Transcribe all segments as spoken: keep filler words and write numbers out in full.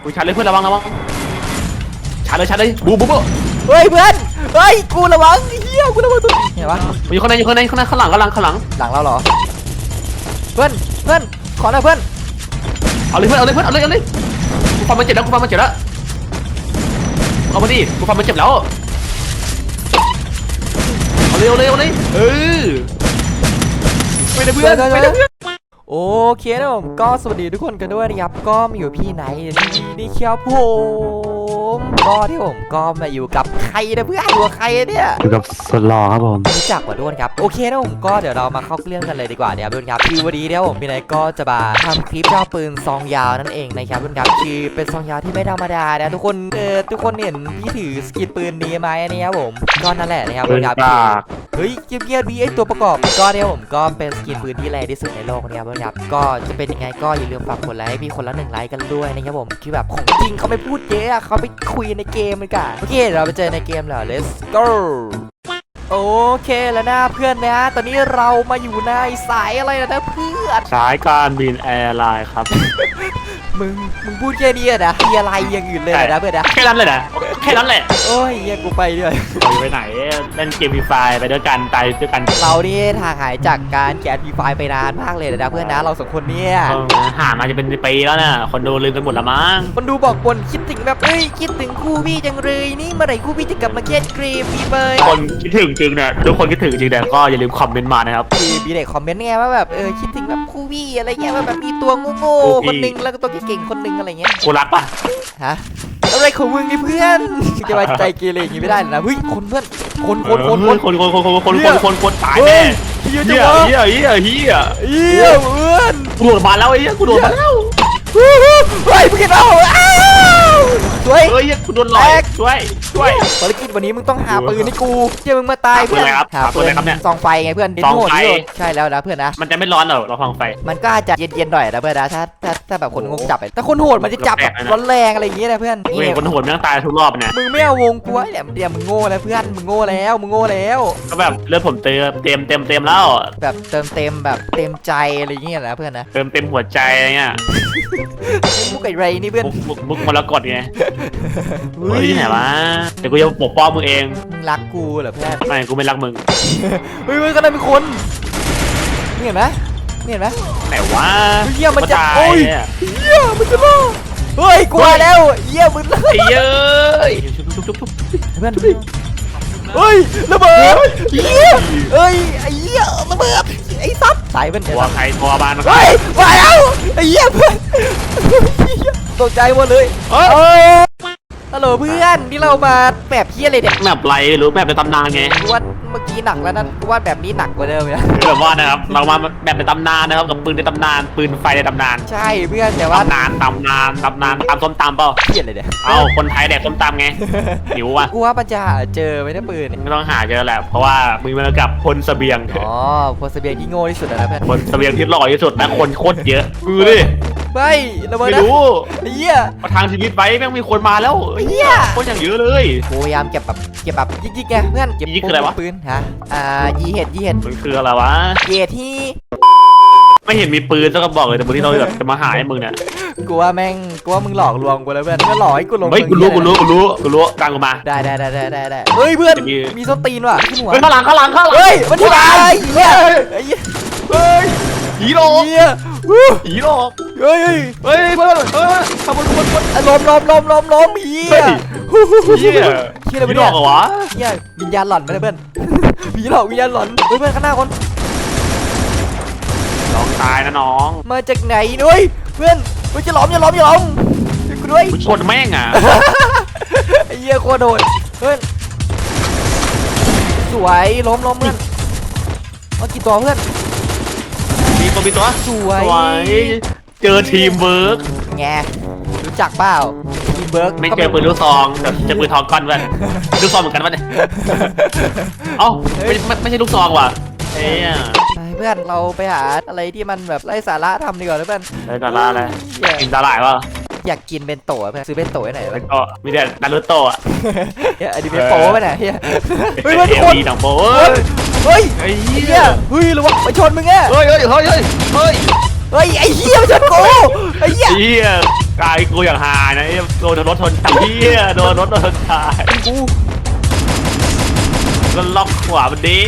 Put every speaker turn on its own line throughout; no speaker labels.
กูชาร์จเลยเพื่อนระวังระวังชาร์จเลยชาร์จเลยบูบูบู
เฮ้ยเพื่อนเฮ้ยกูระวังเฮียกูระวังตัวเห็นปะ
อยู่ข้างในอยู่ข้างในข้างในข้างหลังข้างหลังข้างหลัง
หลังเราเหรอเพื่อนเพื่อนขอหน่อยเพื่อน
เอาเลยเพื่อนเอาเลยเพื่อนเอาเลยเอาเลยกูฟันมันเจ็บแล้วกูฟันมันเจ็บแล้วเอามาดิกูฟันมันเจ็บแล้วเอาเลยเอาเลยเอาเลยเออไม่ได้เพื่อนไม่ได้เพื่อน
โอเคนะผมก็สวัสดีทุกคนกันด้วยนะครับก็มาอยู่พี่ไหนนี่เคียวผมก็ที่ผมก็มาอยู่กับใครนะเพื่อนอยู่กับใครเนี่ย
อยู่กับสลอครับผม
รู้จักกว่าด้วนครับโอเคนะผมก็เดี๋ยวเรามาเข้าเรื่องกันเลยดีกว่าเนี่ยด้วนครับคือวันนี้เนี่ยผมพี่ไหนก็จะมาทำคลิปเจ้าปืนซองยาวนั่นเองนะครับด้วนครับคือเป็นซองยาวที่ไม่ธรรมดานะทุกคนเออทุกคนเห็นพี่ถือสกินปืนนี้ไหมอันนี้ครับผมก็นั่นแหละนะครับด้วนครับเฮ้ยเงียบๆมีไอตัวประกอบก็เนี่ยผมก็เป็นสกินปืนที่แรงที่สุดในโลกนะครับด้วนครับก็จะเป็นยังไงก็อย่าลืมฝากกดไลค์ให้พี่คนละหนึ่งไลค์กันด้วยนะครับผมคือแบบของจริงเขาไม่พูดเยอะเขาไปคุยในเกมเลยกันโอเคเราไปเจอในเกมแล้ว let's go โอเคแล้วนะเพื่อนนะตอนนี้เรามาอยู่ในสายอะไรนะเพื่อน
สายการบินแอร์ไลน์ครับ
มึงมึงพูดแค่นี้นะมีอะไรอย่างอื่นเลยนะเพื่อนนะ
แค่นั้นเลยนะแค่นั้นแหละ
โอ้ยเฮียกูไปด้วย
ไปไหนเล่นเกมฟรีไฟไปด้วยกันตายด้วยกัน
เรานี่ทางหายจากการแกะฟรีไฟไปนานมากเลยนะเพื่อนนะเราสองคนเนี่ย
หามาจะเป็นปีแล้วนะคนดูลืมกันหมดละมั้ง
คนดูบอกบนคิดถึงแบบเอ้ยคิดถึงคู่พี่จังเลยนี่เมื่อไหร่คู่พี่จะกลับมาเล่นเกมฟรีไฟ
คนคิดถึงจริงเนี่ยทุกคนคิดถึงจริงแต่ก็อย่าลืมคอมเมนต์มานะครับ
มีเด็กคอมเมนต์ไงว่าแบบเออคิดถึงแบบคู่พี่อะไรเงี้ยว่าแบบมีตัวโง่ๆคนนึงแล้วก็ตัวเก่งๆคนนึงอะไรเงี้ย
กูรักปะ
ฮะอะไรของมึงนี่เพื่อนจะมาใจเกเรอย่างนี้ไม่ได้นะเฮ้ยคนเพื่อนคนคนคนคน
คนคนคนคนคนคนคนคนตายแน่เฮียเฮียเฮียเฮียเฮีย
เฮียเพื่อน
กูโดดมาแล้วไอ้เหี้ยกูโดดมาแล้ว
เฮ้ยมึงเห็นเปล่าช่วย
เฮ้ยกูโดนหลอกช่วยช่วย
ภารกิจวันนี้มึงต้องหาปืนให้กูเจ้ามึงมาตายเพื่อน
หาปืนอะไรครับเนี่ย
ซองไฟไงเพื่อน
ซองไฟ
ใช่แล้วนะเพื่อนนะ
มันจะไม่ร้อนเหรอเราฟังไฟ
มันก็อาจจะเย็นๆหน่อยนะเพื่อนนะถ้าถ้าถ้าแบบคนงงจับแต่คนโหดมันจะจับร้อนแรงอะไรอย่างเงี้ยนะเพื่อน
นี่คนโหดมันต้องตายทุกรอบเนี่ย
มึงไม่เอาวงกูไอ้เนี่ยเดี๋ยวมึงโง่แล้วเพื่อนมึงโง่แล้วมึงโง่แล้ว
ก็แบบเลือดผมเต็มเต็มเต็มเต็มแล้ว
แบบเติมเต็มแบบเต็มใจอะไรอย่างเงี้ยนะเพื่อนนะ
เติมเต็มหัวใจอะไรเงี้ย
มุกไอไรนี่เพื่อน
มุกมรกตไงเฮ้ยที่ไหนวะเดี๋ยวกูจะปกป้องมึงเอง
มึงรักกูเหรอเพื่อน
ไม่กูไม่รักมึง
เฮ้ยก็ได้เป็นคนนี่เห็นไหมนี่เห็นไหม
ไหนวะ
เยี่ยมันจะโอ้ยเยี่ยมันจะล่อเฮ้ยกลัวแล้วเยี่ยมึงเลย
เย้ย
เพื่อนเฮ้ยระเบิดเยี่ยเฮ้ยไอ้เยี่ยระเบิดไอ้ซับสายเป็น
ตัวใครตัวบ้าน
เฮ้ยมาแล้วไอ้เยี่ยเพื่อนตกใจหมดเลยเฮ้ยฮัลโหลเพื่อนนี่เรามาแบบเพี้ยอะไรเนี่ย
แบบไรหรือแบบในตำนานไง
ว่าเมื่อกี้หนักแล้วนะว่าแบบนี้หนักกว่าเดิมเลย
แบบว่านะครับเรามาแบบในตำนานนะครับกับปืนในตำนานปืนไฟในตำนาน
ใช่เพื่อนแต่ว่า
ตำนานตำนานตำนานตำส้มตำเปล่า
เพี้ยอะไรเนี่ย
เอาคนไทยแดกส้มตำไงหิวว่ะ
กูว่าปัญญาเจอไม่ได้ปืน
ไม่ต้องหาเจอแหละเพราะว่ามึงมากับพลเสบียง
อ๋อพลเสบียงที่โง่ที่สุดนะเพื่อน
พลเสบียงที่หล่อที่สุดนะคนโคตรเยอะดูดิ
ไม่ระเบิด
ไม่รู้
เหี้ย
ประทางชีวิตไว้แม่งมีคนมาแล้ว
เหี้ย
คนอย่างเยอะเลย
พยายามเก็บแบบเก็บแบบยิกๆไงเพื่อนเก็บ
คืออะไรวะ
ปืนฮะอ่ายีเห็ดยีเห็ด
มันคืออะไรวะ
เกียที่
ไม่เห็นมีปืนสักกระบอกเลยแต่บางทีเราแบบจะมาหาให้มึงเนี่ย
กูว่าแม่งกูว่ามึงหลอกลวงกูแล้วเพื่อนมึงหลอกให้กูลง
เฮ้ยกูรู้กูรู้กูรู้กูรู้กลางกูมา
ได้ได้ได้ได้ได้เฮ้ยเพื่อนมีส้นตีนว่ะขึ้นหัว
ข้างหลังข้างหลังข้างหลัง
เฮ้ยมันที่ไหนเฮ้ย
เฮ้ยผีหลอกผีหลอก
เฮ้ยเฮ้ย
เฮ้ยเพื่อนเฮ้ยทำบนบนบน
ล้มล้มล้มล้มล้มเฮีย
เฮีย
เฮียอะไร
ผีหลอกเหรอวะ
เฮียวิญญาณหลอนไปเลยเพื่อนผีหลอกวิญญาณหลอนเฮ้ยเพื่อนข้างหน้าคน
น้องตายนะน้อง
มาจากไหนด้วยเพื่อนเฮ้ยจะล้มจะล้มจะล้มกูด้วย
ชนแม่งอ่ะ
ไอ้เหี้ยโคตรโดดเพื่อนสวยล้มล้มเพื่อนมากี่ตัวเพื่อน
มีตัวมีตัว
สวย
เจอทีมเวิร์ก
ไงรู้จักเปล่าทีมเวิร์ก
ไม่เจอปืนลูกซองแต่เจอปืนทองก้อนเพื่อนลูกซองเหมือนกันวะเนี่ยเอ้าไม่ไม่ใช่ลูกซองว่ะเฮ้ย
เพื่อนเราไปหาอะไรที่มันแบบไร้สาระทำดีกว่าเพื่อน
ไร้สาระอะไรกินสาหร่ายวะ
อยากกินเบนโต้เพื่อนซื้อเบนโต้ไหน
แล้วก็มีแต่นารูโตะ
เฮ้ยอันนี้เป็นโป้ไปไหนเฮ้ย
เฮ้ยมันคนดังโป้
เฮ้ยไอ้เหี้ยเฮ้ยระวังไปชนมึงแง่
เฮ้ยเฮ้ยเฮ้ยเฮ้ย
เฮ้ยไอ้เหี้ยชนกูไอ้เหี้ย
เหี้ยกายกูอย่างหานะไอ้โดนรถชนตายเฮียโดนรถชนตายกูก็ล็อกขวามันดิ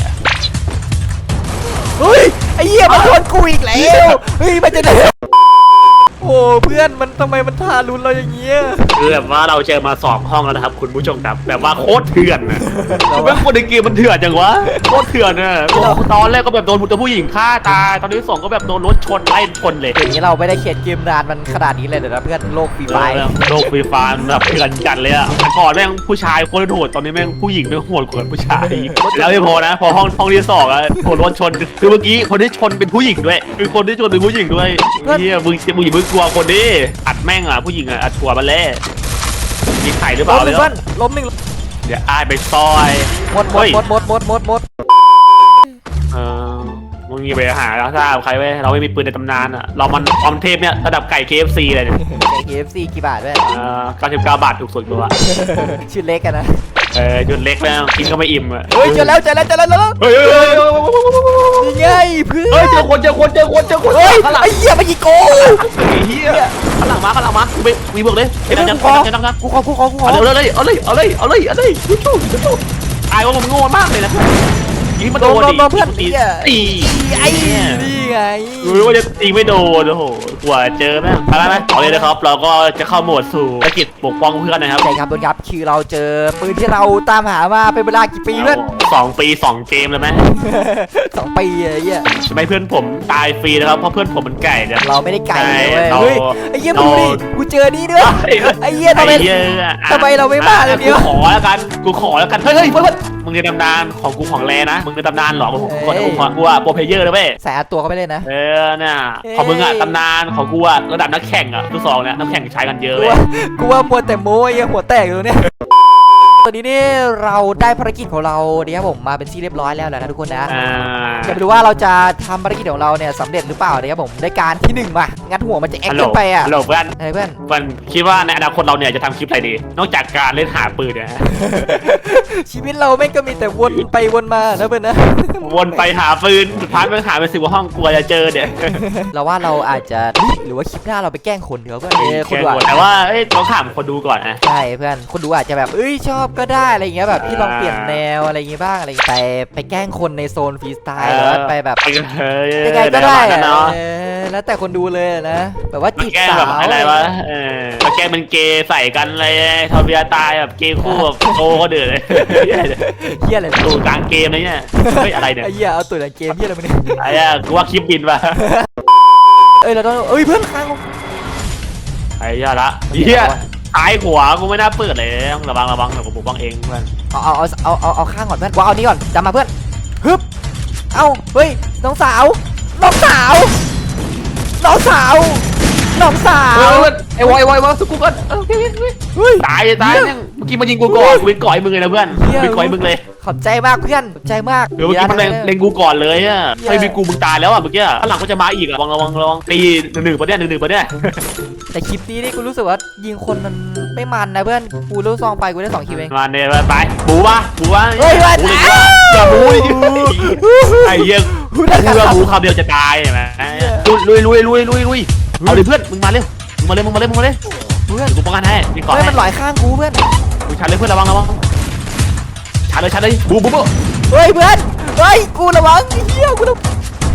เฮ้ยไอ้เหี้ยมันชนกูอีกแล้วเฮ้ยมันจะไหนโอ้เพื่อนมันทำไมมันทารุณเราอย่างเงี้ย
คือแบบว่าเราเจอมาสองห้องแล้วนะครับคุณผู้ชมครับแบบว่าโคตรเถื่อนนะคือเป็นคนในเกมมันเถื่อนจังวะโคตรเถื่อนนะตอนแรกก็แบบโดนผู้หญิงฆ่าตายตอนที่สองก็แบบโดนรถชนไล่ชนเลย
อย่างนี้เราไม่ได้เขียนเกมนานมันขนาดนี้เลยเดี๋ยวนะเพื่อนโลกฟรีไฟ
โลกฟรีไฟร์แบบเถื่อนจัดเลยอะแต่ก่อนแม่งผู้ชายโคตรโหดตอนนี้แม่งผู้หญิงแม่งโหดกว่าผู้ชายแล้วไม่พอนะพอห้องห้องที่สองอะโดนรถชนคือเมื่อกี้คนที่ชนเป็นผู้หญิงด้วยคือคนที่ชนเป็นผู้หญิงด้วยเฮียมึงมึงอย่ามึงกลัวคนดิอัดแม่งอ่ะผู้หญิงอ่ะอัดชัวร์มาแล้วมีไข่หรือเป
ล้
ล่าม
ห
เล
นึ่
ย
งเพื่อนล้มหนึ่ง
เดี๋ยวอ้ายไปซอย
หมดหมดหมดหมดหมดหมดหมด
เออมึงอย่าไปหาแล้วถ้าใครไว้เราไม่มีปืนในตำนานอ่ะเรามันความเทพเนี่ยระดับไก่ เค เอฟ ซี เลยเนี่ย
เค เอฟ ซี กี่บาทเพื่อน
เออเก้าสิบเก้าบาทถูกสุดตัว
ชื่อเล็กกันนะ
เออจุดเล็กแล้วกินก็ไม่อิ่มอ่ะ
เฮ้ยเจอแล้วเจอแล้วเจอแล้วเจอแล้ว
เฮ้ยเฮ้ย
นี่ไงเพื่อน
เฮ้ยเจอคนเจอคนเจอคนเจอคน
เฮ้ย
ข้างหลัง
ไอ้เหี้ยมันยิงโก
ไอ้เหี้ยข้างหลังมาข้างหลังมาไปมีบวกเลย
เดี๋ยว
จัง
กูขอ
จังจังจัง
กูขอกูขอกูขอ
เอาเลยเอาเลยเอาเลยเอาเลยเอาเลยชูชูชูตายว่ามันโง่มากเลยนะยิงมาโดนดิ
เพื่อน
ตี
เนี่ย
ตี
ไอ้นี่ไง
รู้ว่าจะตีไม่โดนโอ้โหกว่าเจอแม่งอะไรไหมเอาเลยนะครับเราก็จะเข้าโหมดสู่ภารกิจปกป้องเพื่อนนะครับ
ใช่ครับทุกครับคือเราเจอปืนที่เราตามหามาเป็นเวลากี่ปีเพื่อน
สองปีสองเกมเลยไหม
สองปีไอ้เหี้ย
ใช่ไหมเพื่อนผมตายฟรีนะครับเพราะเพื่อนผมมันไก่เนี่ย
เราไม่ได้ไกลเลย
เรา
เว้ยเฮ้ยไอ้เหี้ยมึงดูดิกูเจอนี่ด้วยไอ้เหี้ยทำไม
อ้เหี้ย
ทำไมเราไม่มาเลยเนี่ย
กูขอแล้วกันกูขอแล้วกันเฮ้ยเฮ้ยเฮ้ยมึงในตำนานของกูของแรนะมึงในตำนานหรอกูขอกูขอกูอะโปรเพเยอร์นะเว้ย
ใส่อัดตัวเข้าไปเลยนะ
เออเนี่ยของมึงอะตำนานของกูอะระดับนักแข่งอะทุกสองเนี่ยนักแข่งใช้กันเยอะ
กู
เว้ย
ว่ากูว่ามัวแต่โม้ไอ้เหี้ยหัวแตกอยู่เนี่ยตอนนี้นี่เราได้ภารกิจของเราเนี่ยครับผมมาเป็นที่เรียบร้อยแล้วแหละนะทุกคนนะ
อ่า
จะไปดูว่าเราจะทำภารกิจของเราเนี่ยสำเร็จหรือเปล่านะครับผมได้การที่หนึ่งมางัดหัวมันจะแอค
ฮัลโหล
ขึ้นไปอ่ะ
ฮัลโหลเพื่อน
อะไรเพื่อน
มันคิดว่าในอนาคตเราเนี่ยจะทำคลิปอะไรดี นอกจากการเล่นหาปืนเนี่ย
ชีวิตเราไม่งก็มีแต่วนไปวนมานะเพื่อนนะ
วนไปหาปืนสุดท้ายมันหาไปสิบกว่าห้องกลัวจะเจอเนี่ย
เราว่าเราอาจจะหรือว่าคลิปหน้าเราไปแกล้งคนเดี๋ยวเพื่อนเออคนดูอาจ
แต่ว่าเอ้ยต้องถามคนดูก่อนนะ
ใช่เพื่อนคนดูอาจจะแบบเอ้ยชอบก็ได้อะไรอย่างเงี้ยแบบพี่ลองเปลี่ยนแนวอะไรอย่างงี้บ้างอะไรอย่างเงี้ยแต่ไปแกล้งคนในโซนฟรีสไตล์หรือว่าไปแบบ
เฮ้ย
ยังไงก็ได้
นะ
อะ
เนาะ
เออแล้วแต่คนดูเลยนะแบบว่า
มา
จีบ
แกล้ง
สา
แบบ
ว
อะไรวะเออมาแกล้งเป็นเกย์ใส่กันอะไรทอเบียตายแบบเกย์คู่แบบโตก็เดือดเลย
เฮียอะไร
ดูกลางเกมอะไรเนี่ยเฮ้ยอะไรเนี่ย
ไอ้เหี้ยเอาตัวในเกมเหี้ยอะไรมาเนี่ย
ไอ้อะกูว่าคลิปบินป่ะ
เอ้ยเราต้องเอ้ยเพื่อนค้าง
ไอ้ยาละเฮียซ้ายขวากูไม่น่าเปิดเลยต้องระวังระวังเดี๋ยวกูปกป้องเองเพื่อน
เอาเอาเอาเอาเอาเอาข้างก่อนเพื่อนกูเอานี้ก่อนจำมาเพื่อนฮึบเอาเฮ้ยน้องสาวน้องสาวน้องสาวน้องสาว
ไอ้วอยวอยวอยสุกุกันโอเคโอเค
เฮ้ย
ตายตายเนี่ยเมื่อกี้มันยิงกูก่อนกูเป็นก่อยมึงเลยนะเพื่อนเป็นก่อยมึงเลย
ขอบใจมากเพื่อนขอบใจมาก
เดี๋ยวเมื่อกี้มันเล็งกูก่อนเลยอ่ะไม่มีกูมึงตายแล้วอ่ะเมื่อกี้ข้างหลังก็จะมาอีกอ่ะระวังระวังระวังตีหนึ่งหนึ่งปะเนี่ยหนึ่งหนึ่งปะเนี่ย
แต่คลิปนี้นี่กูรู้สึกว่ายิงคนมันไม่มันนะเพื่อนกูรู้ซองไปกูได้สองคิวเอง
มาเนี่ยไปบูวะบูวะ
เฮ้ยว่า
บู
ตา
เลย
ย
อย่าบูดิไอ้เหี้ยกูว่าบูคำเดียวจะตายใช่ไหมลุยลุยลุยลุยลุยเอาดิเพื่อนมึงมาเร็วมึงมาเร็วมึงมาเร็วมึงมาเร็ว
เพื่อน
กูป้องกันให้มีก่อน
เฮ้ย
ให้
มันหลอยข้างกูเพื่อน
กูชันเลยเพื่อนระวังระวังชันเลยชันเลยบูบูบู
เฮ้ยเพื่อนเฮ้ยกูระวังไอ้เหี้ยกูระ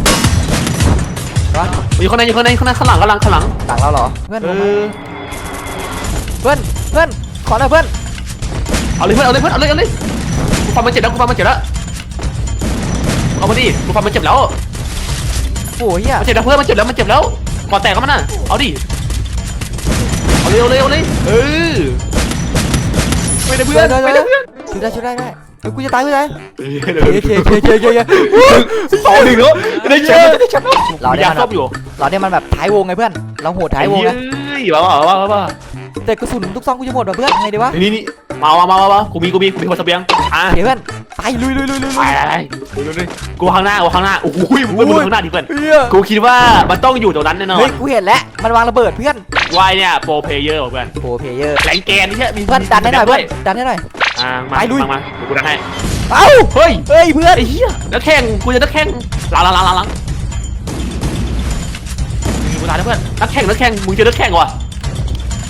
วัง
อยู่ข้างในอยู่ข้างในข้างในข้างหลังข้างหลังข้างหลัง
ต่างเราเหรอเพื่อน
เออ
เพื่อนเพื่อนขอหน่อยเพื่อน
เอาเลยเพื่อนเอาเลยเพื่อนเอาเลยเอาเลยกูฟังมันเจ็บแล้วกูฟังมันเจ็บแล้วเอามาดิกูฟังมันเจ็บแล้ว
โอ้ยเหี้ย
มันเจ็บแล้วเพื่อนมันเจ็บแล้วมันเจ็บแล้วก่อนแตกก็มันน่ะเอาดิเอาเลยเอาเลยเอาเลยเออไม่ได้เพื่อนไม่ได้เพื่อน
ช่วยได้ช่วยได้ได้เฮ้ยกูจะตายกูจะตาย
เอ
เคเคเคเคเคเค
สองหนึ่งแล้วได้แชมป์ได้แชมป์
เราเนี่ย
ยา
มัน
ซ่อมอยู่
เราเนี่ยมันแบบท้ายวงไงเพื่อนเราโหดท้ายวง
ไอ้
นะ
เฮ้ยว้าวว้าวว้าวว้าว
แต่กระสุนทุกซองกูจะหมดว่ะเพื่อนไงดีวะ
นี่นี่มามามามากูมีกูมีกูมีคนเสบียงอ่ะ
เดี๋ยวเพื่อนไปลุยลุยลุยลุย
ไปไปไปกูข้างหน้ากูข้างหน้าโอ้โหมึงมึงข้างหน้าดิเพื่อน
เฮีย
กูคิดว่ามันต้องอยู่ตรงนั้นแน่นอ
เฮ้ย
น
กูเห็นแล้วมันวางระเบิดเพื่อน
วายเนี่ยโปรเพลเยอร์เพื่อน
โอ้เพลเยอร์
แหลงแกนนี่ใช่มี
เพื่อนดันให้หน่อยเพื่อนดันให้หน่อย
อ่ามา
ไปลุย
มามาเดี๋ยวกูดันให้
เอ้า
เฮ้ย
เฮ้ยเพื่อน
ไอ้เหี้ยนักแข่งกูจะนักแข่งหลังหลังหลังหลังหลังกูตายแล้วเพื่อนนักแข่งนักแข่งมึงเจอนักแข่งว่ะ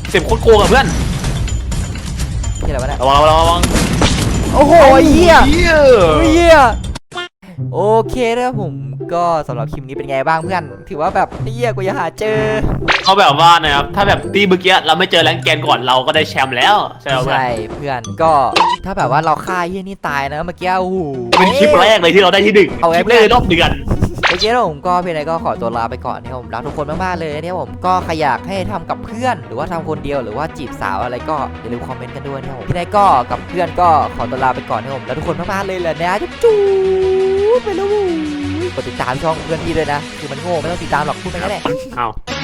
เสียบโคตรโกงอะเพื่อน
ที่ไหนวะเนี่ย
ระวังระวังระวัง
โอ้โหเหี้ย
เหี้ย
เหี้ยโอเคนะครับผมก็สำหรับคลิปนี้เป็นไงบ้างเพื่อนถือว่าแบบเหี้ยกูยังหาเจอ
เขาแบบว่านะครับถ้าแบบตีเมื่อกี้เราไม่เจอแรงแกนก่อนเราก็ได้แชมป์แล้วใช่ไหมเพื่อน
ใช่เพื่อนก็ถ้าแบบว่าเราฆ่าเหี้ยนี่ตายนะเมื่อกี้โอ้โห
เป็นคลิปแรกเลยที่เราได้ที่หนึ่ง
เอาไว้
คลิปแรกในรอบเดือน
โอเคแล้วผมก็เพียงไรก็ขอตัวลาไปก่อนนะครับผมรักทุกคนมากๆเลยนะครับผมก็ใครอยากให้ทำกับเพื่อนหรือว่าทำคนเดียวหรือว่าจีบสาวอะไรก็อย่าลืมคอมเมนต์กันด้วยนะครับผมพี่นายก็กับเพื่อนก็ขอตัวลาไปก่อนนะครับผมรักทุกคนมากๆเลยแหละนะจุ๊บจุ๊บไปแล้วกดติดตามช่องเพื่อนพี่ด้วยนะคือมันโง่ไม่ต้องติดตามหรอกพูดไปงั้นแหละ
อ้าว